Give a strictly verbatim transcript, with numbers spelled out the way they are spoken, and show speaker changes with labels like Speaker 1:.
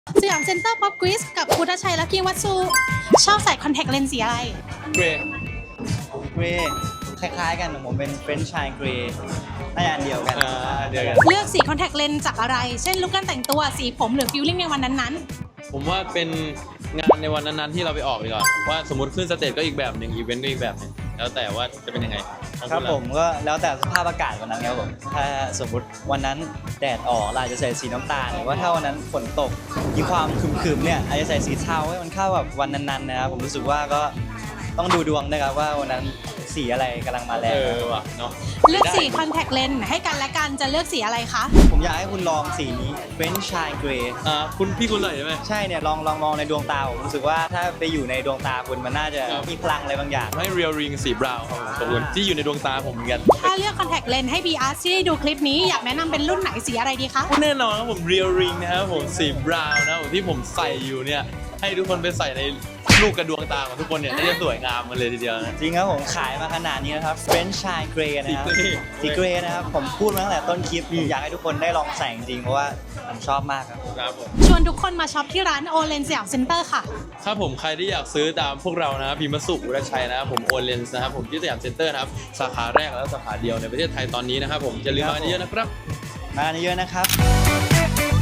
Speaker 1: สยามเซ็นเตอร์ป๊อปกริสกับพุทธชัยและกีวัตสุชอบใส่คอนแทคเลนส์สีอะไร
Speaker 2: เกรย์
Speaker 3: เกรย์คล้ายๆกันของผมเป็นเฟรนช์ชายเกรย์น่าจะอันเดียวกัน
Speaker 2: อ่าเดียวกัน
Speaker 1: เลือกสีคอนแทคเลนส์จากอะไร เช่นลุคการแต่งตัวสีผมหรือฟิลลิ่งในวันนั้น
Speaker 2: ผมว่าเป็นงานในวันนั้นๆที่เราไปออกดีกว่าว่าสมมติขึ้นสเตจก็อีกแบบหนึ่งอีเวนต์ก็อีกแบบหนึ่งแล้วแต่ว่าจะเป็นยังไงของ
Speaker 3: ครับ
Speaker 2: ณล่ะ
Speaker 3: ผมก็แล้วแต่สภาพอากาศวันนั้นครับผมถ้าสมมติวันนั้นแดดออกเราอาจจะใส่สีน้ำตาลหรือว่าถ้าวันนั้นฝนตกมีความครึมๆเนี่ยอาจจะใส่สีเทาให้มันเข้ากับวันนั้นๆนะครับผมรู้สึกว่าก็ต้องดูดวงนะครับว่าวันนั้นสีอะไรกำลังมาแร
Speaker 2: เอง อว่ะเนาะ
Speaker 1: ๆ เลือกสีคอนแทคเลนส์ให้กันและกันจะเลือกสีอะไรคะ
Speaker 3: ผมอยากให้คุณลองสีนี้เฟรนช์ชายเกรย์
Speaker 2: อ่าคุณพี่คุณเลยใช่ไหม
Speaker 3: ใช่เนี่ยลองลองมองในดวงตาผมรู้สึกว่าถ้าไปอยู่ในดวงตาคุณมันน่าจะ
Speaker 2: ครับ
Speaker 3: มีพลังอะไรบางอย่าง
Speaker 2: ให้เรียลริงสีบราวน์ครับผมขอบคุณที่อยู่ในดวงตาผมเหมือนกัน
Speaker 1: ถ้าเลือกคอนแทคเลนส์ให้ บี อาร์ ที่ได้ดูคลิปนี้อยากแนะนำเป็นรุ่นไหนสีอะไรดีคะ
Speaker 2: แน่นอนครับผมเรียลริงนะครับผมสีบราวน์นะครับผมที่ผมใส่อยู่เนี่ยให้ทุกคนไปใส่ในลูกกระดวงตาของทุกคนเนี่ยน่าจะสวยงามกันเลยทีเดียวนะ
Speaker 3: จริงครับผมขายมาขนาดนี้นะครับเฟรนช์ชายเกรย์นะครับ
Speaker 2: สีเกรย์
Speaker 3: สีเกรย์นะครับผมพูดมาตั้งแต่ต้นคลิปผมอยากให้ทุกคนได้ลองใส่จริงๆเพราะว่าผมชอบมากครับ
Speaker 2: ครับผม
Speaker 1: ชวนทุกคนมาช็อปที่ร้านโอเลนสยามเซ็นเตอร์ค่ะ
Speaker 2: ถ้าผมใครที่อยากซื้อตามพวกเรานะครับพิมพ์สุอุรชัยนะครับผมโอเลนส์นะครับผมที่สยามเซ็นเตอร์นะครับสาขาแรกและสาขาเดียวในประเทศไทยตอนนี้นะครับผมอย่าลืมมากันเยอะๆนะครับ
Speaker 3: มากันเยอะๆนะครับ